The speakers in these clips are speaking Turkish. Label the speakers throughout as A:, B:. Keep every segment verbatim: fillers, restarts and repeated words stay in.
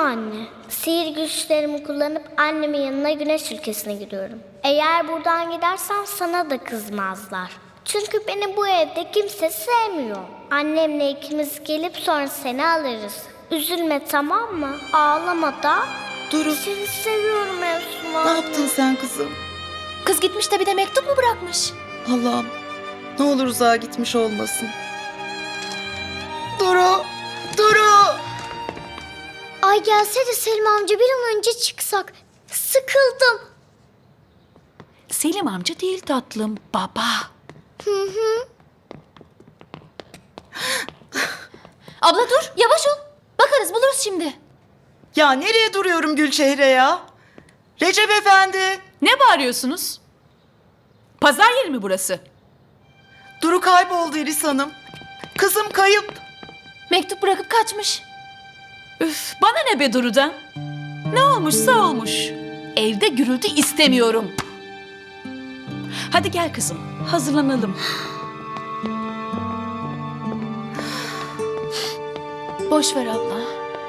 A: anne. Sihir güçlerimi kullanıp annemin yanına güneş ülkesine gidiyorum. Eğer buradan gidersem sana da kızmazlar. Çünkü beni bu evde kimse sevmiyor. Annemle ikimiz gelip sonra seni alırız. Üzülme, tamam mı? Ağlama da.
B: Duru,
A: Seni seviyorum Efsun anne.
B: ne yaptın sen kızım?
C: Kız gitmiş de bir de mektup mu bırakmış?
B: Allah'ım, ne olur uzağa gitmiş olmasın. Duru, Duru!
A: Ay gelse de Selim amca bir an önce çıksak. Sıkıldım.
C: Selim amca değil tatlım, baba.
A: Hı hı.
C: Abla dur, yavaş ol. Bakarız, buluruz şimdi.
B: Ya nereye duruyorum Gülçehre ya? Recep Efendi!
D: Ne bağırıyorsunuz? Pazar yeri mi burası?
B: Duru kayboldu İris Hanım. Kızım kayıp.
C: Mektup bırakıp kaçmış.
D: Üf, bana ne be Duru'dan? Ne olmuşsa olmuş. Evde gürültü istemiyorum. Hadi gel kızım, hazırlanalım.
C: Boş ver abla.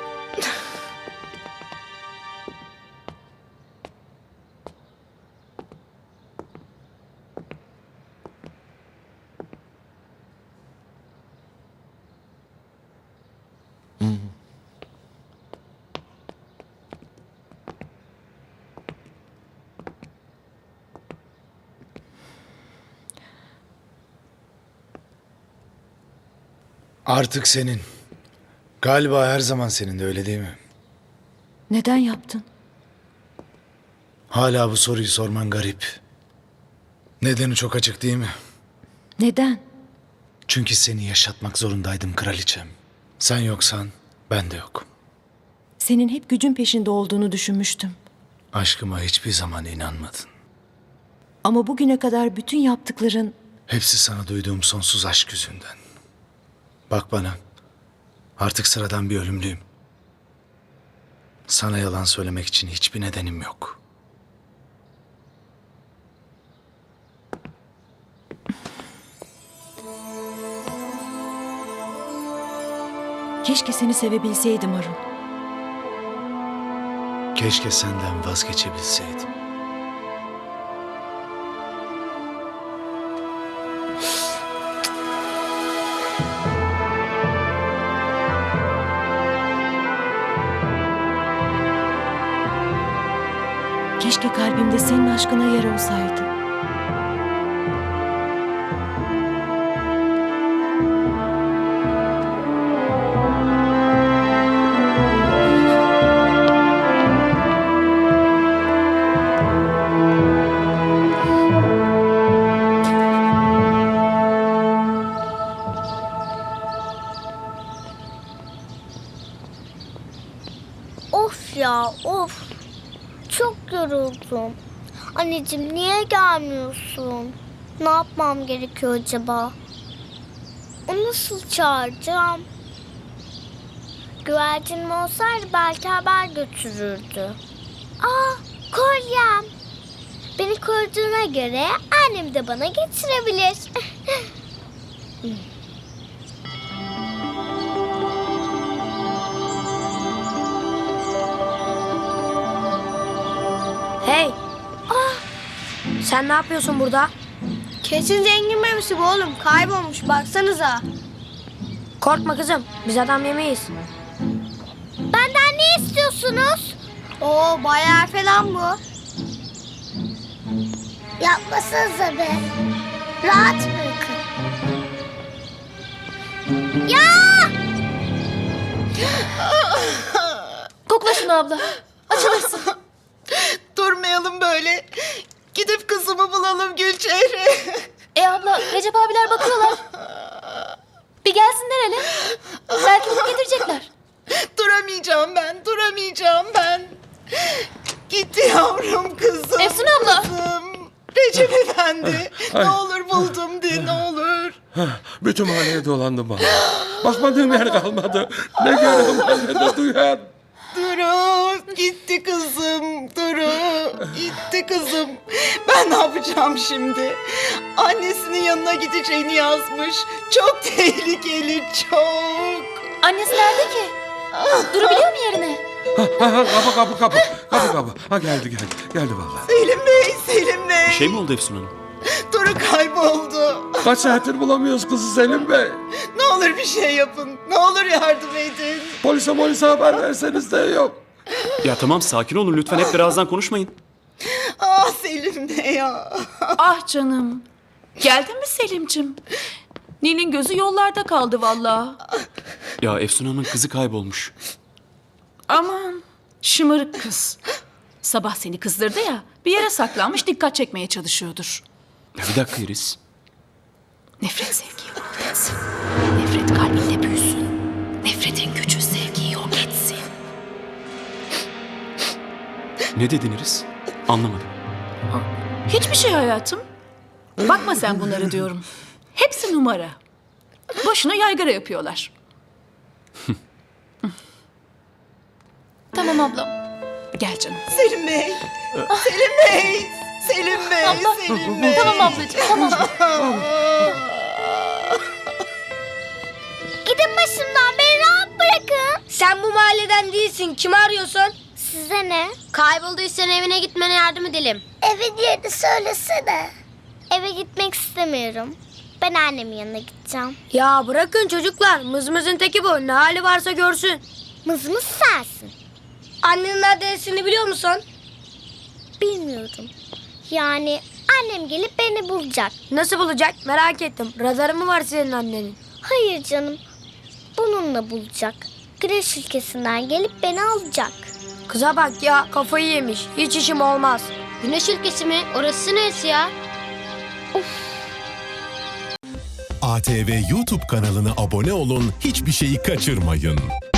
E: Artık senin. Galiba her zaman senin de, öyle değil mi?
C: Neden yaptın?
E: Hala bu soruyu sorman garip. Nedeni çok açık değil mi?
C: Neden?
E: Çünkü seni yaşatmak zorundaydım kraliçem. Sen yoksan ben de yok.
F: Senin hep gücün peşinde olduğunu düşünmüştüm.
E: Aşkıma hiçbir zaman inanmadın.
F: Ama bugüne kadar bütün yaptıkların...
E: Hepsi sana duyduğum sonsuz aşk yüzünden. Bak bana. Artık sıradan bir ölümlüyüm. Sana yalan söylemek için hiçbir nedenim yok.
F: Keşke seni sevebilseydim Arun.
E: Keşke senden vazgeçebilseydim.
F: Keşke kalbimde senin aşkına yer olsaydı.
A: Of ya of. Çok yoruldum. Anneciğim niye gelmiyorsun? Ne yapmam gerekiyor acaba? Onu nasıl çağıracağım? Güvercinim olsaydı belki haber götürürdü. Aa, kolyem. Beni koruduğuna göre annem de bana getirebilir.
G: Hey! Sen ne yapıyorsun burada?
A: Kesin zengin memesi bu oğlum. Kaybolmuş baksanıza.
G: Korkma kızım, biz adam yemeyiz.
A: Benden ne istiyorsunuz? Oo bayağı falan bu. Yapmasanıza be. Rahat bırakın. Ya!
C: Kokla şunu abla. Açılırsın.
B: Durmayalım böyle. Gidip kızımı bulalım Gülçehre.
C: E abla, Recep abiler bakıyorlar. Bir gelsinler hele. Belki bulup getirecekler.
B: Duramayacağım ben, duramayacağım ben. Gitti yavrum kızım.
C: Efsun abla.
B: Kızım. Recep Efendi. Ne olur buldum de, ne olur.
H: Bütün mahalleye dolandım bana. Bakmadığım yer kalmadı. Ne görürüm ne de duyar.
B: Duru, gitti kızım. Duru, gitti kızım. Ben ne yapacağım şimdi? Annesinin yanına gideceğini yazmış. Çok tehlikeli, çok.
C: Annesi nerede ki? Durabiliyor mu yerine?
H: Ha, ha, ha, kapı kapı kapı. Kapı kapı. Ha geldi geldi. Geldi vallahi.
B: Selim Bey, Selim Bey.
I: Bir şey mi oldu Efsun Hanım?
B: Duru kayboldu.
H: Kaç saattir bulamıyoruz kızı Selim Bey.
B: Ne olur bir şey yapın. Ne olur yardım edin.
H: Polise polise haber verseniz de yok.
I: Ya tamam sakin olun lütfen hep birazdan konuşmayın.
B: Ah Selim Bey ya.
D: Ah canım. Geldin mi Selim'cim? Nil'in gözü yollarda kaldı vallahi.
I: Ya Efsun Hanım'ın kızı kaybolmuş.
D: Aman şımarık kız. Sabah seni kızdırdı ya, bir yere saklanmış dikkat çekmeye çalışıyordur.
I: Ya bir dakika Iris.
D: Nefret sevgiyi yok etsin. Nefret kalbinde büyüsün. Nefretin gücü sevgiyi yok etsin.
I: Ne dedin Iris? Anlamadım.
D: Hiçbir şey hayatım. Bakma sen bunları diyorum. Hepsi numara. Boşuna yaygara yapıyorlar.
C: Tamam ablam.
D: Gel canım.
B: Selim Bey. Selim Bey. Selim Bey. Selim Bey.
C: Tamam ablacığım tamam.
A: Gidin başımdan, beni rahat bırakın.
G: Sen bu mahalleden değilsin. Kimi arıyorsun?
A: Size ne?
G: Kaybolduysan evine gitmene yardım edelim.
A: Evin yerini söylesene. Eve gitmek istemiyorum. Ben annemin yanına gideceğim.
G: Ya bırakın çocuklar. Mızmızın teki bu. Ne hali varsa görsün.
A: Mızmız sensin.
G: Annenin adresini biliyor musun?
A: Bilmiyorum. Yani annem gelip beni bulacak.
G: Nasıl bulacak? Merak ettim. Radarı mı var senin annenin?
A: Hayır canım. Bununla bulacak. Güneş ülkesinden gelip beni alacak.
G: Kıza bak ya, kafayı yemiş. Hiç işim olmaz. Güneş ülkesi mi? Orası neresi ya?
J: A T V YouTube kanalına abone olun, hiçbir şeyi kaçırmayın.